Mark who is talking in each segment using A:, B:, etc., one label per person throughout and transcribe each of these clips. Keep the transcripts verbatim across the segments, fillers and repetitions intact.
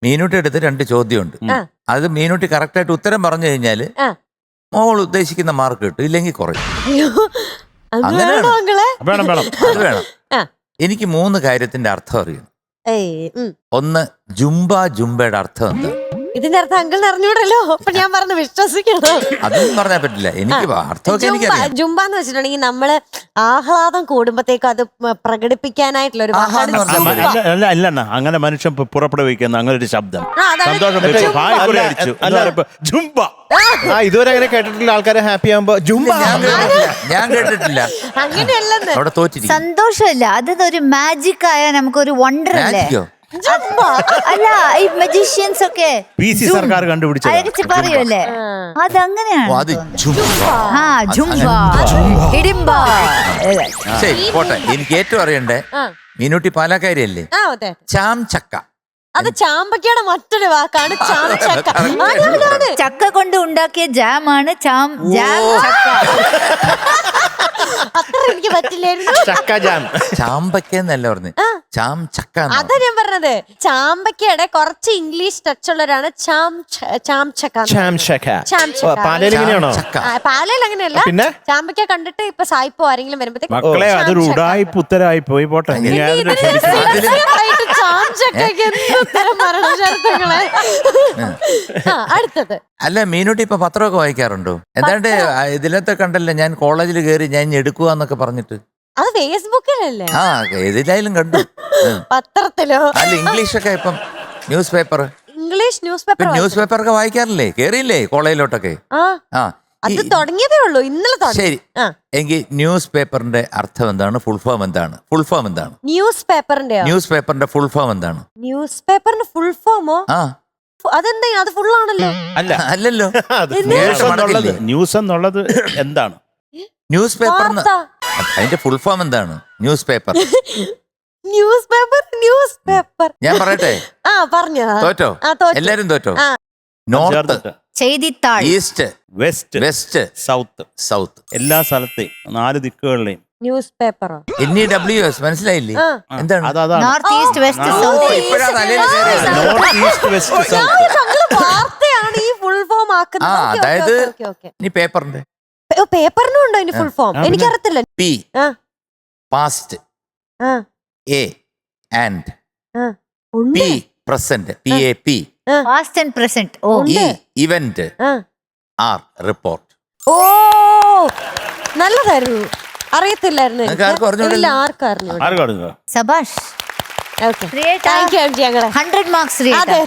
A: മീനൂട്ടി എടുത്ത് രണ്ട് ചോദ്യമുണ്ട്. അത് മീനൂട്ടി കറക്റ്റായിട്ട് ഉത്തരം പറഞ്ഞു കഴിഞ്ഞാല് മോൾ ഉദ്ദേശിക്കുന്ന മാർക്ക് കിട്ടും, ഇല്ലെങ്കിൽ കുറയും. അങ്ങനെ വേണം വേണം അത് വേണം. എനിക്ക് മൂന്ന് കാര്യത്തിന്റെ അർത്ഥം അറിയണം. ഒന്ന്, ജുംബ ജുംബയുടെ അർത്ഥം എന്താ?
B: ഇതിന്റെ അർത്ഥം അങ്കിളിന് അറിഞ്ഞൂടല്ലോ, അപ്പൊ ഞാൻ പറഞ്ഞു വിശ്വസിക്കണം.
A: അതൊന്നും പറഞ്ഞാൽ പറ്റില്ല, എനിക്ക് അർത്ഥമൊക്കെ എനിക്കറിയാം.
B: ജുംബ എന്ന് വെച്ചിട്ടുണ്ടെങ്കിൽ നമ്മള് ആഹ്ലാദം കൂടുമ്പോഴത്തേക്കും അത് പ്രകടിപ്പിക്കാനായിട്ടുള്ള ഒരു
C: അല്ല, അങ്ങനെ മനുഷ്യൻ പുറപ്പെടുവിക്കുന്ന അങ്ങനെ ഒരു ശബ്ദം.
D: ഇതുവരെ അങ്ങനെ കേട്ടിട്ടില്ല. ആൾക്കാരെ ഹാപ്പി ആകുമ്പോ ജുംബ
A: ഞാൻ കേട്ടിട്ടില്ല.
B: അങ്ങനെയല്ലെന്ന്
A: അവിടെ തോറ്റിരിക്കും.
E: സന്തോഷമല്ല, അതൊരു മാജിക് ആയ നമുക്കൊരു വണ്ടർ അല്ലേ? അല്ല, ഈ മജീഷ്യൻസ് ഒക്കെ
C: സർക്കാർ കണ്ടുപിടിച്ചു
E: പറയൂല്ലേ, അതങ്ങനെയാണ്. ആ ജുംബ ഹിഡിംബ.
A: ശരി പോട്ടെ. എനിക്ക് ഏറ്റവും അറിയണ്ടേ മീനൂട്ടി പാലക്കാരിയല്ലേ? ചാം ചക്ക.
B: അത് ചാമ്പക്കയുടെ മറ്റൊരു വാക്കാണ് ചാം ചക്ക.
E: ചക്ക കൊണ്ട് ഉണ്ടാക്കിയ ജാമാണ് ചാം ജാം ചക്ക.
B: അത്ര എനിക്ക് പറ്റില്ലായിരുന്നു.
D: ചക്ക ജാം.
A: ചാമ്പക്ക എന്നല്ല പറഞ്ഞു, ചാം ചക്ക.
B: അതാ ഞാൻ പറഞ്ഞത്. ചാമ്പക്കയുടെ കുറച്ച് ഇംഗ്ലീഷ് ടച്ച് ഉള്ളവരാണ് ചാം ചാം ചക്ക. പാലയിൽ അങ്ങനെയല്ല.
D: പിന്നെ
B: ചാമ്പക്ക കണ്ടിട്ട് ഇപ്പൊ സായിപ്പോ ആരെങ്കിലും വരുമ്പോഴത്തേക്ക്
C: മക്കളെ അതൊരു ഉടായ്പ ഉത്തരമായി പോയി. പോട്ടെ,
B: ചാം ചക്കയ്ക്ക് എന്തുത്തരം മരണശാസ്ത്രങ്ങളെ. അടുത്തത്.
A: അല്ല, മീനൂട്ടി ഇപ്പൊ പത്രമൊക്കെ വായിക്കാറുണ്ടോ? എന്താണ്ട് ഇതിലത്തെ കണ്ടല്ലോ, ഞാൻ കോളേജിൽ കയറി ഞാൻ എടുക്കുക എന്നൊക്കെ പറഞ്ഞിട്ട്.
B: അത് ഫേസ്ബുക്കിലല്ലേ?
A: ആ, ഏതിലായാലും കണ്ടു.
B: പത്രത്തിലോ?
A: അല്ല, ഇംഗ്ലീഷൊക്കെ ഇപ്പം news paper,
B: English news paper
A: news paper ഒക്കെ വായിക്കാറില്ലേ? കേറിയില്ലേ കോളേജിലോട്ടൊക്കെ? ആ,
B: അത് തുടങ്ങിയതേ ഉള്ളൂ, ഇന്നലെ.
A: ശരി, എങ്കിൽ ന്യൂസ് പേപ്പറിന്റെ അർത്ഥം എന്താണ്? ഫുൾ ഫോം എന്താണ്? ഫുൾ ഫോം എന്താണ്?
B: ന്യൂസ് പേപ്പറിന്റെ
A: ന്യൂസ് പേപ്പറിന്റെ ഫുൾ ഫോം എന്താണ്?
B: ന്യൂസ് പേപ്പറിന്റെ ഫുൾ ഫോമോ?
A: ആ,
B: അതെന്താ? അത് ഫുൾ ആണല്ലോ.
C: അല്ല,
A: അല്ലല്ലോ.
C: ന്യൂസ് എന്നുള്ളത് എന്താണ്?
A: ന്യൂസ് പേപ്പർ അതിന്റെ ഫുൾ ഫോം എന്താണ്? News paper.
B: News paper news paper
A: ഞാൻ പറയട്ടെ?
B: ആ, പറഞ്ഞോ.
A: തോറ്റോ? എല്ലാരും തോറ്റോ? നോർത്ത്,
E: ചെയ്തിത്താൾ,
A: east,
C: west,
A: west,
C: south.
A: South
C: എല്ലാ സ്ഥലത്തെയും നാല് ദിക്കുകളിലെയും
B: ന്യൂസ് പേപ്പറോ?
A: N E W S. മനസ്സിലായില്ലേ? എന്താണ്?
E: North east west south.
B: വാർത്തയാണ് ഈ ഫുൾ ഫോം ആക്കുന്നത്.
A: അതായത് ഇനി പേപ്പറിന്റെ
B: പേപ്പറിനും ഉണ്ടോ ഇതിന് ഫുൾ ഫോം? എനിക്കറിയത്തില്ല.
A: P past, A and, P present, P A P
E: past and present,
A: E event, R report.
B: ഓ, നല്ലതായിരുന്നു. അറിയത്തില്ലായിരുന്നു.
E: സബാഷ്. Hundred marks.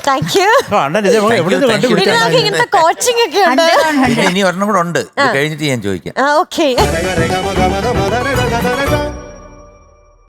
B: ഇങ്ങനത്തെ കോച്ചിങ് ഒക്കെ ഉണ്ട്.
A: ഇനി ഒരെണ്ണം കൂടെ ഉണ്ട്, കഴിഞ്ഞിട്ട് ഞാൻ ചോദിക്കാം.
B: ഓക്കെ.